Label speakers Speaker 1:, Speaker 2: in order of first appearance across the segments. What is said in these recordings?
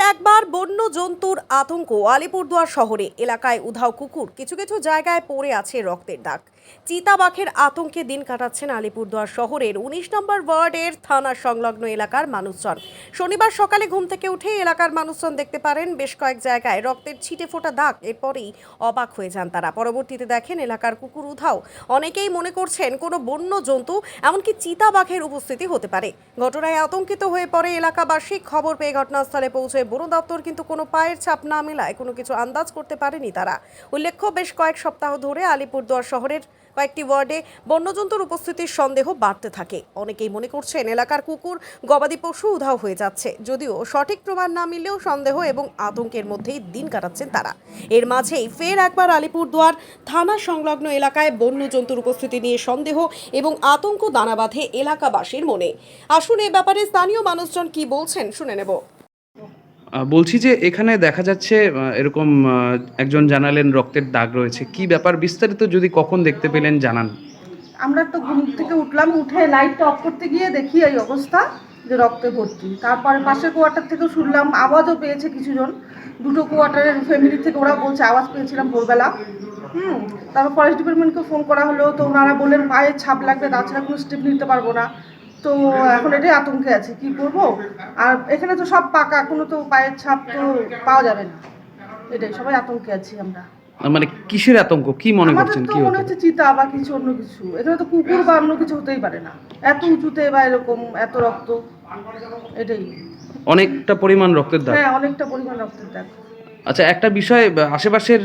Speaker 1: একবার বন্য জন্তুর আতঙ্ক আলিপুরদুয়ার শহরে। এলাকায় উধাও কুকুর, কিছু কিছু জায়গায় পড়ে আছে রক্তের দাগ। চিতাবাঘের আতঙ্কে দিন কাটাচ্ছেন আলিপুরদুয়ার শহরের ১৯ নম্বর ওয়ার্ডের থানা সংলগ্ন এলাকার মানুষজন। শনিবার সকালে ঘুম থেকে উঠে এলাকার মানুষজন দেখতে পারেন বেশ কয়েক জায়গায় রক্তের ছিটে ফোটা দাগ। এরপরেই অবাক হয়ে যান তারা। পরবর্তীতে দেখেন এলাকার কুকুর উধাও। অনেকেই মনে করছেন কোনো বন্য জন্তু, এমনকি চিতাবাঘের উপস্থিতি হতে পারে। ঘটনায় আতঙ্কিত হয়ে পড়ে এলাকাবাসী। খবর পেয়ে ঘটনাস্থলে পৌঁছে বন দপ্তর কিন্তু কোনো পায়ের ছাপ না মেলায় কোনো কিছু আন্দাজ করতে পারেনি তারা। উল্লেখ্য, বেশ কয়েক সপ্তাহ ধরে আলিপুরদুয়ার শহরের কয়েকটি ওয়ার্ডে বন্যজন্তুর উপস্থিতির সন্দেহ বাড়তে থাকে। অনেকেই মনে করছেন এলাকার কুকুর, গবাদি পশু উধাও হয়ে যাচ্ছে। যদিও সঠিক প্রমাণ না মিললেও সন্দেহ এবং আতঙ্কের মধ্যেই দিন কাটাচ্ছেন তারা। এর মাঝেই ফের একবার আলিপুরদুয়ার থানা সংলগ্ন এলাকায় বন্যজন্তুর উপস্থিতি নিয়ে সন্দেহ এবং আতঙ্ক দানা বাঁধে এলাকাবাসীর মনে। আসুন এ ব্যাপারে স্থানীয় মানুষজন কি বলছেন শুনে নেব।
Speaker 2: বলছি যে এখানে দেখা যাচ্ছে এরকম একজন জানালেন রক্তের দাগ রয়েছে, কি ব্যাপার বিস্তারিত যদি কখন দেখতে পেলেন জানান।
Speaker 3: আমরা তো ঘুম থেকে উঠলাম, উঠে লাইটটা অফ করতে গিয়ে দেখি এই অবস্থা, যে রক্তে ভর্তি। তারপরে পাশের কোয়ার্টার থেকেও শুনলাম, আওয়াজও পেয়েছে কিছুজন, দুটো কোয়ার্টারের ফ্যামিলি থেকে ওরা বলছে আওয়াজ পেয়েছিলাম ভোরবেলা। তারপর ফরেস্ট ডিপার্টমেন্টকে ফোন করা হলো, তো ওনারা বললেন পায়ের ছাপ লাগবে, তাছাড়া কোনো স্টেপ নিতে পারবো না। তো এখন এটাই আতঙ্কে আছে, কি করবো। আর এখানে তো সব পাকা, কোনো তো পায়ের ছাপ তো পাওয়া যাবে না, এটাই সবাই আতঙ্কে আছি আমরা।
Speaker 2: মানে কিসের আতঙ্ক, কি মনে
Speaker 3: আমাদের
Speaker 2: করছেন,
Speaker 3: তো
Speaker 2: কি
Speaker 3: মনে
Speaker 2: হতে
Speaker 3: হচ্ছে চিতা বা কিছু অন্য কিছু। এখানে তো কুকুর বা অন্য কিছু হতেই পারে না, এত উঁচুতে বা এরকম এত রক্ত, এটাই।
Speaker 2: অনেকটা পরিমাণ রক্তের দাগ।
Speaker 3: হ্যাঁ, অনেকটা পরিমাণ রক্তের দাগ।
Speaker 2: আচ্ছা, একটা বিষয়, আশেপাশের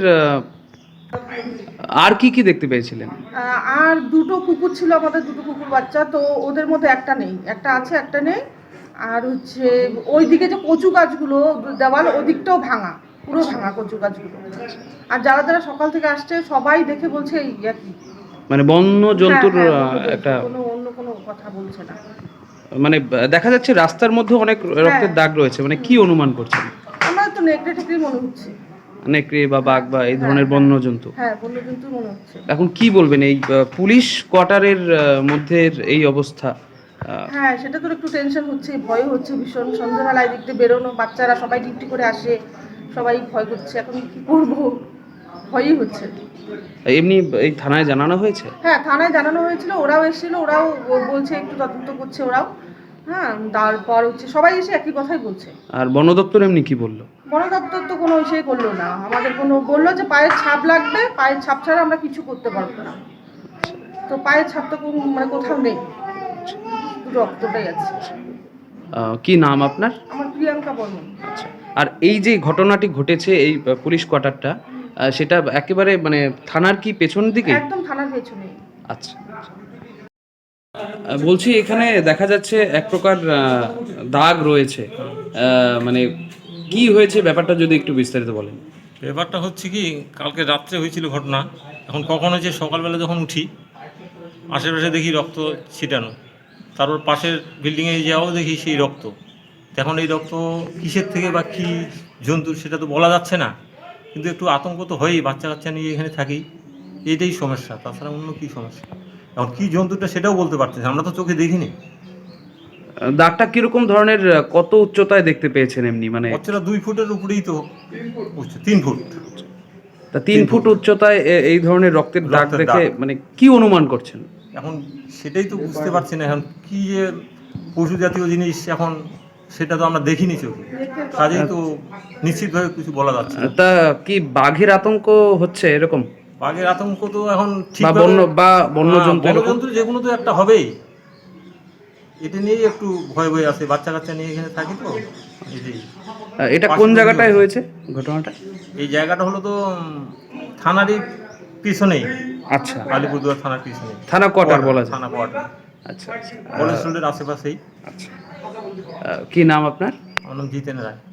Speaker 2: আর কি কি দেখতে পেয়েছিলেন?
Speaker 3: আর দুটো কুকুর ছিল আমাদের, দুটো কুকুর বাচ্চা, তো ওদের মধ্যে একটা নেই, একটা আছে একটা নেই। আর হচ্ছে ওইদিকে যে কচু গাছগুলো দেওয়াল ওদিকটাও ভাঙা, পুরো ভাঙা কচু গাছগুলো। আর যারা যারা সকাল থেকে আসছে সবাই দেখে বলছে এই একই,
Speaker 2: মানে বন্য জন্তুর একটা
Speaker 3: কোনো অন্য কোনো কথা বলছে না।
Speaker 2: মানে দেখা যাচ্ছে রাস্তার মধ্যে অনেক রক্তের দাগ রয়েছে, মানে কি অনুমান করছেন?
Speaker 3: আমার তো নেকড়ে টেকড়ে মনে হচ্ছে,
Speaker 2: নেকড়ে বা বাঘ বা এই ধরনের বন্য জন্তু।
Speaker 3: হ্যাঁ বন্যজন্তু মনে হচ্ছে।
Speaker 2: এখন কি বলবেন এই পুলিশ কোয়ার্টারের মধ্যে এই অবস্থা?
Speaker 3: হ্যাঁ, সেটা তো একটু টেনশন হচ্ছে, ভয় হচ্ছে ভীষণ। সন্ধ্যাবেলায় দেখতে বেরোনো, বাচ্চারা সবাই ডিউটি করে আসে, সবাই ভয় করছে, এখন কি করবো, ভয়ই হচ্ছে।
Speaker 2: এমনি এই থানায় জানানো হয়েছে?
Speaker 3: হ্যাঁ, থানায় জানানো হয়েছিল, ওরাও এসেছিল, ওরাও বলছে একটু তদন্ত করছে ওরাও। হ্যাঁ, তারপর হচ্ছে সবাই এসে একই কথাই বলছে।
Speaker 2: আর বন দপ্তর এমনি কি বললো?
Speaker 3: বন দপ্তর তো কোনো ইসেই করলো না, আমাদের কোনো বললো যে পায়ের ছাপ লাগবে, পায়ের ছাপ ছাড়া আমরা কিছু করতে পারবো না। তো পায়ের ছাপ তো মানে কোথাও নেই, রক্তটাই আছে।
Speaker 2: কি নাম আপনার?
Speaker 3: আমার প্রিয়াঙ্কা বর্মন।
Speaker 2: আচ্ছা, আর এই যে ঘটনাটি ঘটেছে এই পুলিশ কোয়ার্টারটা, সেটা একেবারে মানে থানার কি পেছন দিকে?
Speaker 3: একদম থানার পেছনে।
Speaker 2: আচ্ছা, বলছি এখানে দেখা যাচ্ছে এক প্রকার দাগ রয়েছে, মানে কি হয়েছে ব্যাপারটা যদি একটু বিস্তারিত বলেন।
Speaker 4: ব্যাপারটা হচ্ছে কি, কালকে রাত্রে হয়েছিল ঘটনা। এখন কখন হয়েছে, সকালবেলা যখন উঠি আশেপাশে দেখি রক্ত ছিটানো, তারপর পাশের বিল্ডিংয়ে যাও দেখি সেই রক্ত। এখন এই রক্ত কিসের থেকে বা কী জন্তুর সেটা তো বলা যাচ্ছে না, কিন্তু একটু আতঙ্ক তো হয়ই, বাচ্চা কাচ্চা নিয়ে এখানে থাকি, এইটাই সমস্যা, তাছাড়া অন্য কী সমস্যা। এখন কী জন্তুটা সেটাও বলতে পারতেছি, আমরা তো চোখে দেখিনি।
Speaker 2: দাগটা কিরকম ধরনের, কত উচ্চতায় দেখতে পেয়েছেন এমনি? মানে
Speaker 4: বাচ্চারা 2 ফুটের উপরেই তো উচ্চ, 3 ফুট।
Speaker 2: তা 3 ফুট উচ্চতায় এই ধরনের রক্তের দাগ দেখে মানে কি অনুমান করছেন?
Speaker 4: এখন সেটাই তো বুঝতে পারছি না, এখন কি যে পশু জাতীয় জিনিস, এখন সেটা তো আমরা দেখিনি চোখে, কাজেই তো নিশ্চিতভাবে কিছু বলা যাচ্ছে না।
Speaker 2: তা কি বাঘের আতঙ্ক হচ্ছে এরকম?
Speaker 4: বাঘের আতঙ্ক তো এখন ঠিক
Speaker 2: বন্য জন্তু
Speaker 4: যে কোনো তো একটা হবেই, এটা নিয়েই একটু ভয় ভয় আছে, বাচ্চা কাচ্চা নিয়ে এখানে থাকি তো এটাই।
Speaker 2: এটা কোন জায়গাটায় হয়েছে ঘটনাটা?
Speaker 4: এই জায়গাটা হলো তো থানারই পিছনেই।
Speaker 2: আচ্ছা,
Speaker 4: আলিপুরদুয়ার থানার পিছনেই,
Speaker 2: থানা কোয়ার্টার বলা যায়।
Speaker 4: থানা কোয়ার্টার।
Speaker 2: আচ্ছা,
Speaker 4: কলেজ রোডের আশেপাশেই।
Speaker 2: আচ্ছা, কি নাম আপনার?
Speaker 4: আমার নাম জিতেন রায়।